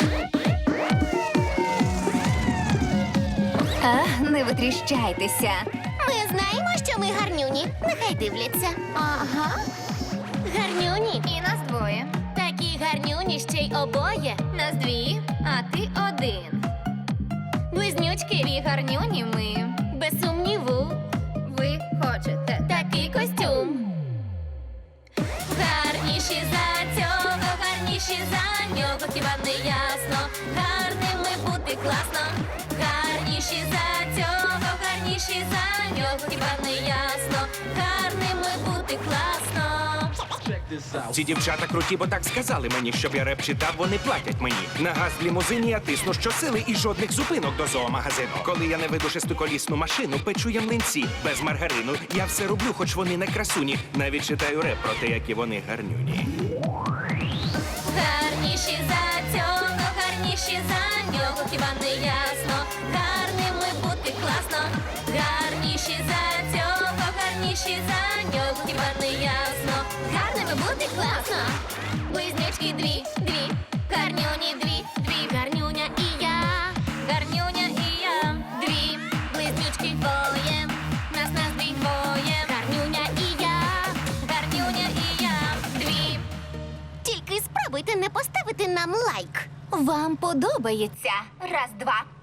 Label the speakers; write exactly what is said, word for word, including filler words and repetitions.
Speaker 1: А, не витріщайтеся.
Speaker 2: Ми знаємо, що ми гарнюні. Нехай дивляться. Ага. Гарнюні.
Speaker 1: І нас двоє.
Speaker 2: Такі гарнюні ще й обоє.
Speaker 1: Нас дві, а ти один.
Speaker 2: Близнючки.
Speaker 1: Дві гарнюні ми.
Speaker 2: Без сумніву.
Speaker 1: Ви хочете
Speaker 2: Такий костюм. Гарніші за цього, гарніші за нього, хіба не ясно? Гарними бути класно. Гарніші за цього, гарніші за нього, хіба не ясно? Гарними бути класно.
Speaker 3: Ці дівчата круті, бо так сказали мені, щоб я реп читав, вони платять мені. На газ в лімузині я тисну щосили і жодних зупинок до зоомагазину. Коли я не веду шестиколісну машину, печу я млинці без маргарину. Я все роблю, хоч вони не красуні. Навіть читаю реп про те, які вони гарнюні.
Speaker 2: Гарніші за цього, гарніші за нього, хіба не ясно? Гарними бути класно. Гарніші за цього, гарніші за нього, хіба не ясно? Гарними бути класно. Близнючки дві, дві, гарнюні дві, дві, гарнюня і я, гарнюня і я, дві, близнючки двоє, нас нас дві двоє, гарнюня і я, гарнюня і я, дві. Тільки спробуйте не поставити нам лайк.
Speaker 1: Вам подобається. Раз, два.